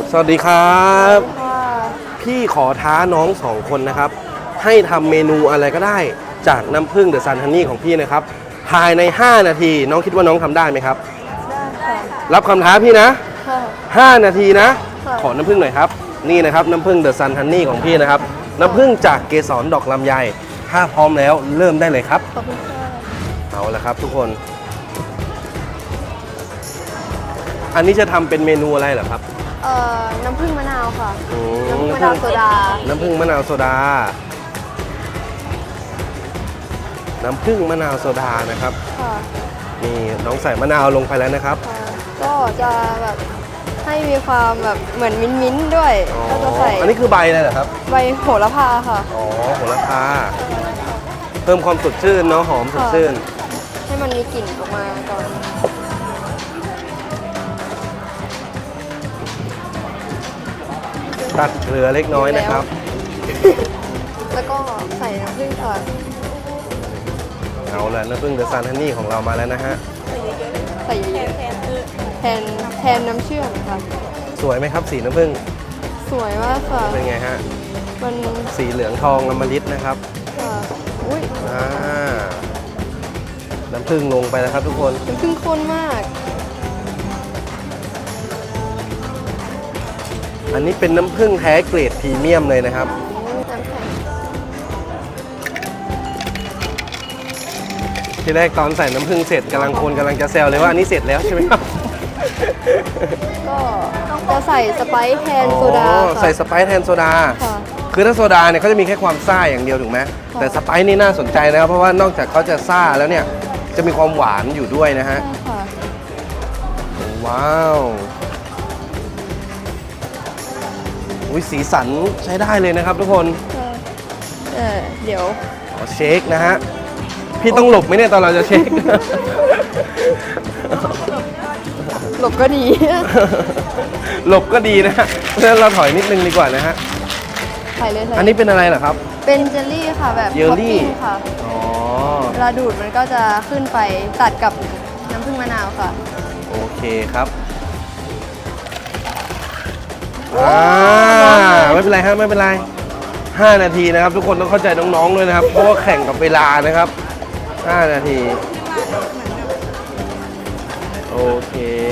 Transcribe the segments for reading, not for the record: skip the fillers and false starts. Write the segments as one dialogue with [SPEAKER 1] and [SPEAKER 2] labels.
[SPEAKER 1] สวัสดีครับพี่ขอท้าน้อง2 คนนะครับให้ทำเมนูอะไรก็ได้จากน้ำผึ้งเดอะซันฮันนี่ของพี่นะครับภายใน5 นาทีน้องคิดว่าน้องทำได้ไหมครับ
[SPEAKER 2] ได้ค่ะ
[SPEAKER 1] รับคำท้าพี่นะ5 นาทีนะ
[SPEAKER 2] ค่ะ
[SPEAKER 1] ขอน้ำผึ้งหน่อยครับนี่นะครับน้ำผึ้งเดอะซันฮันนี่ของพี่นะครับน้ำผึ้งจากเกสรดอกลำไยถ้าพร้อมแล้วเริ่มได้เลยครับ
[SPEAKER 2] ขอบคุณค่ะ
[SPEAKER 1] เอาละครับทุกคนอันนี้จะทำเป็นเมนูอะไรเหรอครับ
[SPEAKER 2] น้ำผึ้งมะนาวค่ะ
[SPEAKER 1] น้ำผึ้ง
[SPEAKER 2] มะนาวโซดา
[SPEAKER 1] น้ำผึ้งมะนาวโซดาน้ำผึ้งมะนาวโซดานะครับ
[SPEAKER 2] ค่ะ
[SPEAKER 1] นี่น้องใส่มะนาวลงไปแล้วนะครับ
[SPEAKER 2] ก็จะแบบให้มีความแบบเหมือนมิ้นๆด้วยก็จะใส่
[SPEAKER 1] อันนี้คือใบอะไรเหรอครับ
[SPEAKER 2] ใบโหระพาค่ะ
[SPEAKER 1] อ๋อโหระพาเพิ่มความสดชื่นเนาะหอมสดชื่น
[SPEAKER 2] ให้มันมีกลิ่นออกมาก่อน
[SPEAKER 1] ตัดเกลือเล็กน้อยนะครับ
[SPEAKER 2] แล้วก็ใส่น้ำผึ้งค่ะ
[SPEAKER 1] เอาละน้ำผึ้งเดอะซันฮันนี่ของเรามาแล้วนะฮะ
[SPEAKER 2] ใส่เยอะๆแทนน้ำเชื่อมค่ะ
[SPEAKER 1] สวยไหมครับสีน้ำผึ้ง
[SPEAKER 2] สวยมากค่ะ
[SPEAKER 1] เป็นไงฮะ
[SPEAKER 2] มัน
[SPEAKER 1] สีเหลืองทองอมฤตนะครับ
[SPEAKER 2] อุ้ย
[SPEAKER 1] น้ำผึ้งลงไปแล้วครับทุกคน
[SPEAKER 2] น้ำผึ้งข้นมาก
[SPEAKER 1] อันนี้เป็นน้ำผึ้งแท้เกรดพรีเมียมเลยนะครับทีแรกตอนใส่น้ำผึ้งเสร็จกำลังจะแซวเลยว่าอันนี้เสร็จแล้วใช่ไหมครับ
[SPEAKER 2] ก็จะใส่สไปซ์แทนโซดา
[SPEAKER 1] ใส่สไปซ์แทนโซดาคือถ้าโซดาเนี่ยเขาจะมีแค่ความซ่าอย่างเดียวถูกไหมแต่สไปซ์นี่น่าสนใจนะครับเพราะว่านอกจากเขาจะซ่าแล้วเนี่ยจะมีความหวานอยู่ด้วยนะฮะว้าวอุ้ยสีสันใช้ได้เลยนะครับทุกคน
[SPEAKER 2] เดี๋ยว
[SPEAKER 1] เชคนะฮะพี่ต้องหลบไหมเนี่ยตอนเราจะเชค
[SPEAKER 2] หลบก็ดี
[SPEAKER 1] หลบก็ดีนะฮะเพราะฉะนั้นเราถอยนิดนึงดีกว่านะฮะ
[SPEAKER 2] ใส่เลย
[SPEAKER 1] อันนี้เป็นอะไรเหรอครับ
[SPEAKER 2] เป็นเจลลี่ค่ะแบบ
[SPEAKER 1] เจลลี่
[SPEAKER 2] ค่ะเวลาดูดมันก็จะขึ้นไปตัดกับน้ำผึ้งมะนาวค่ะ
[SPEAKER 1] โอเคครับไม่เป็นไรฮะไม่เป็นไร5 นาทีนะครับทุกคนต้องเข้าใจน้องๆด้วยนะครับเพราะว่าแข่งกับเวลานะครับ5 นาทีโอเค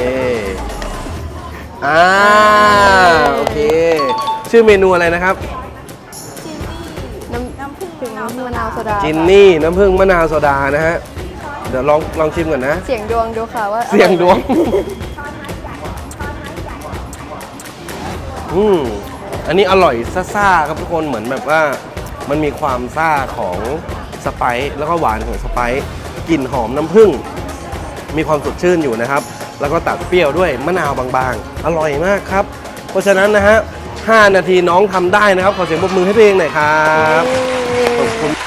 [SPEAKER 1] โอเคชื่อเมนูอะไรนะครับ
[SPEAKER 2] น้ำผึ้งมะนาวโซดา
[SPEAKER 1] จินนี่น้ำผึ้งมะนาวโซดานะฮะเดี๋ยวลองชิมก่อนนะ
[SPEAKER 2] เสียงดวงดูค่ะว่า
[SPEAKER 1] เสียงดวงอันนี้อร่อยซ่าๆครับทุกคนเหมือนแบบว่ามันมีความซ่าของสไปซ์แล้วก็หวานของสไปซ์กลิ่นหอมน้ำผึ้งมีความสดชื่นอยู่นะครับแล้วก็ตัดเปรี้ยวด้วยมะนาวบางๆอร่อยมากครับเพราะฉะนั้นนะฮะ5 นาทีน้องทำได้นะครับขอเสียงปรบมือให้ตัวเองหน่อยครับขอบคุณ